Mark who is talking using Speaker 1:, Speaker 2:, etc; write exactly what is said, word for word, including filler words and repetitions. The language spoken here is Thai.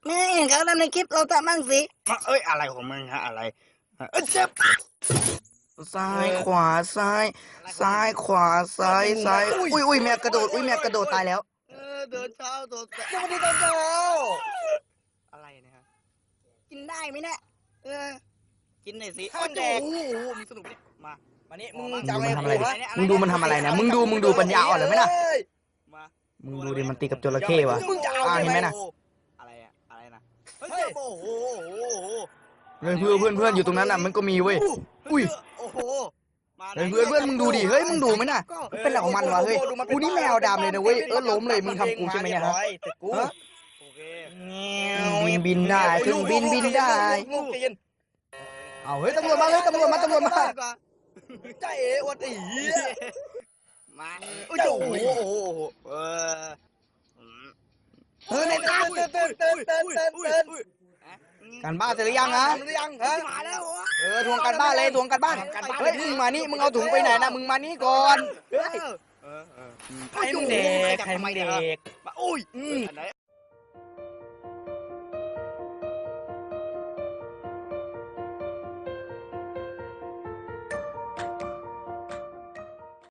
Speaker 1: แม่เห็นเขาทำในคลิปเราทำบ้างสิเอ้ยอะไรของมึงฮะอะไรเอ้ยเจ็บซ้ายขวาซ้ายซ้ายขวาซ้ายซ้ายอุ้ยอุ้ยแม่กระโดดอุ้ยแม่กระโดดตายแล้วเออเดินเช้าโดดสวัสดีตอนเช้าอะไรเนี่ยฮะกินได้ไหมเนี่ยเออกินหน่อยสิข้าวแดงโอ้โหมีสนุกเนี่ยมามานี่มึงจะทำอะไรมึงดูมันทำอะไรนะมึงดูมึงดูปัญญาอ่อนหรือไม่ล่ะมึงดูดิมันตีกับจระเข้วะอ่าเห็นไหมนะอะไรอะอะไรนะเฮ้ยโอ้โหเพื่อนเพื่อนเพื่อนเพื่อนอยู่ตรงนั้นอ่ะมันก็มีเว้ยอุ้ยโอ้โหเพื่อนเพื่อนมึงดูดิเฮ้ยมึงดูไหมน่ะเป็นอะไรของมันวะเฮ้ยกูนี่แมวดำเลยนะเว้ยเออล้มเลยมึงทำกูใช่ไหมเนี่ยฮะบินบินได้ถึงบินบินได้เอาเฮ้ยตำรวจมาเฮ้ยตำรวจมาตำรวจมาใจเอ๋อวดอีมาโอ้โหเออเฮ้ยในตาเต้นเต้นเต้นเต้นเต้นเต้นการบ้านเสร็จหรือยังฮะหรือยังฮะมาแล้วเออทวงการบ้านเลยทวงการบ้านเฮ้ยมึงมานี่มึงเอาถุงไปไหนนะมึงมานี่ก่อนเฮ้ยใครมึงเด็กใครมึงเด็กอุ้ย